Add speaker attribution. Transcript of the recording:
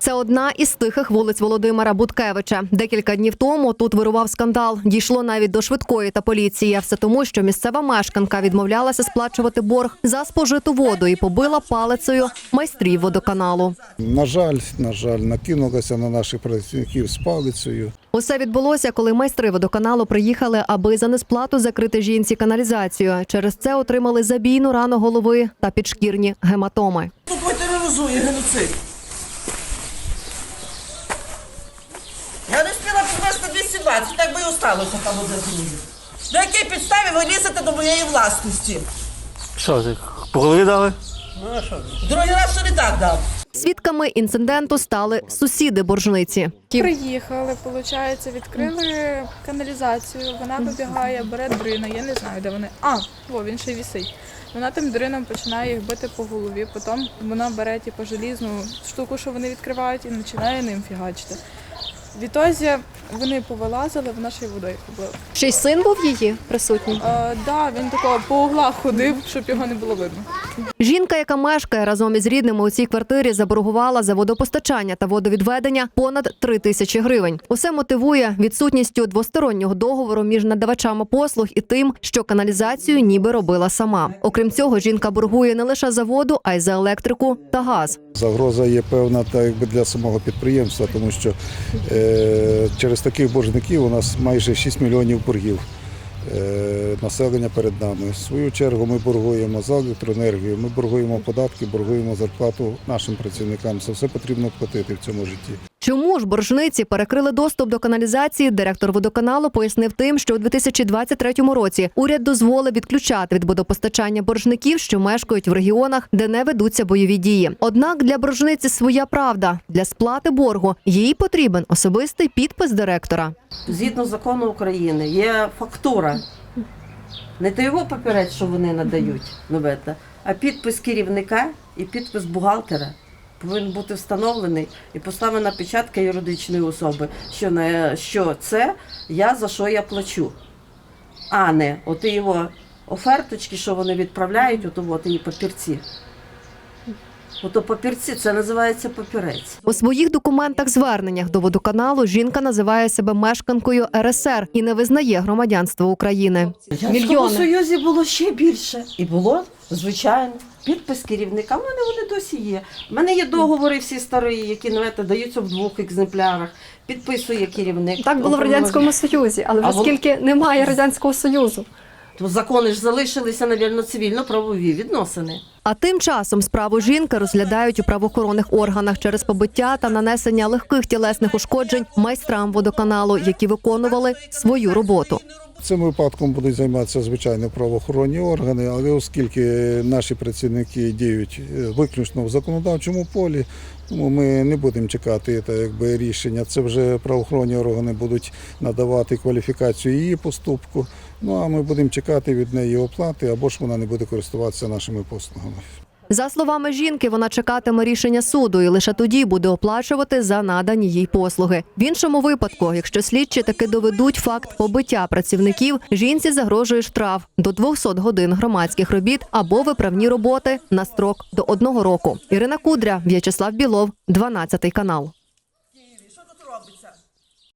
Speaker 1: Це одна із тихих вулиць Володимира Буткевича. Декілька днів тому тут вирував скандал. Дійшло навіть до швидкої та поліції. Все тому, що місцева мешканка відмовлялася сплачувати борг за спожиту воду і побила палицею майстрів водоканалу.
Speaker 2: На жаль, накинулася на наших працівників з палицею.
Speaker 1: Усе відбулося, коли майстри водоканалу приїхали, аби за несплату закрити жінці каналізацію. Через це отримали забійну рану голови та підшкірні гематоми.
Speaker 3: Тупо тероризує геноцид. Я не встигла підвести 220, так би і осталося там одне друге. На якій підставі ви лізете до моєї власності?
Speaker 4: Що, ти по голові дали?
Speaker 3: Другий раз ще не так дав.
Speaker 1: Свідками інциденту стали сусіди боржниці.
Speaker 5: Приїхали, виходить, відкрили каналізацію, вона вибігає, бере дрина, я не знаю, де вони. Він ще й висить. Вона тим дрином починає їх бити по голові, потім вона бере желізну штуку, що вони відкривають, і починає ним фігачити. Відтоді вони повилазили, вона ще й водою побила.
Speaker 1: Ще й син був її присутній?
Speaker 5: Так, він такого по углах ходив, щоб його не було видно.
Speaker 1: Жінка, яка мешкає разом із рідними у цій квартирі, заборгувала за водопостачання та водовідведення понад 3 тисячі гривень. Усе мотивує відсутністю двостороннього договору між надавачами послуг і тим, що каналізацію ніби робила сама. Окрім цього, жінка боргує не лише за воду, а й за електрику та газ.
Speaker 2: Загроза є певна для самого підприємства, тому що через таких боржників у нас майже 6 мільйонів боргів населення перед нами. В свою чергу ми боргуємо за електроенергію, ми боргуємо податки, боргуємо зарплату нашим працівникам. Це все потрібно платити в цьому житті.
Speaker 1: Чому ж боржниці перекрили доступ до каналізації, директор водоканалу пояснив тим, що у 2023 році уряд дозволив відключати від водопостачання боржників, що мешкають в регіонах, де не ведуться бойові дії. Однак для боржниці своя правда. Для сплати боргу їй потрібен особистий підпис директора.
Speaker 6: Згідно закону України є фактура. Не той його папірець, що вони надають, а підпис керівника і підпис бухгалтера. Повинен бути встановлений і поставлена печатка юридичної особи, що це за що я плачу, а не оті його оферточки, що вони відправляють, її папірці. Ото папірці, це називається папірець.
Speaker 1: У своїх документах-зверненнях до водоканалу жінка називає себе мешканкою РСР і не визнає громадянства України.
Speaker 6: В Радянському Союзі було ще більше. І було, звичайно, підпис керівника. У мене вони досі є. У мене є договори всі старі, які даються в 2 екземплярах. Підписує керівник.
Speaker 7: Так було в Радянському Союзі, але оскільки немає Радянського Союзу.
Speaker 6: То закони ж залишилися, мабуть, цивільно-правові відносини.
Speaker 1: А тим часом справу жінки розглядають у правоохоронних органах через побиття та нанесення легких тілесних ушкоджень майстрам водоканалу, які виконували свою роботу.
Speaker 2: Цим випадком будуть займатися, звичайно, правоохоронні органи, але оскільки наші працівники діють виключно в законодавчому полі, тому ми не будемо чекати рішення. Це вже правоохоронні органи будуть надавати кваліфікацію її поступку, а ми будемо чекати від неї оплати, або ж вона не буде користуватися нашими послугами.
Speaker 1: За словами жінки, вона чекатиме рішення суду і лише тоді буде оплачувати за надані їй послуги. В іншому випадку, якщо слідчі таки доведуть факт побиття працівників, жінці загрожує штраф до 200 годин громадських робіт або виправні роботи на строк до 1 року. Ірина Кудря, В'ячеслав Білов, 12 канал.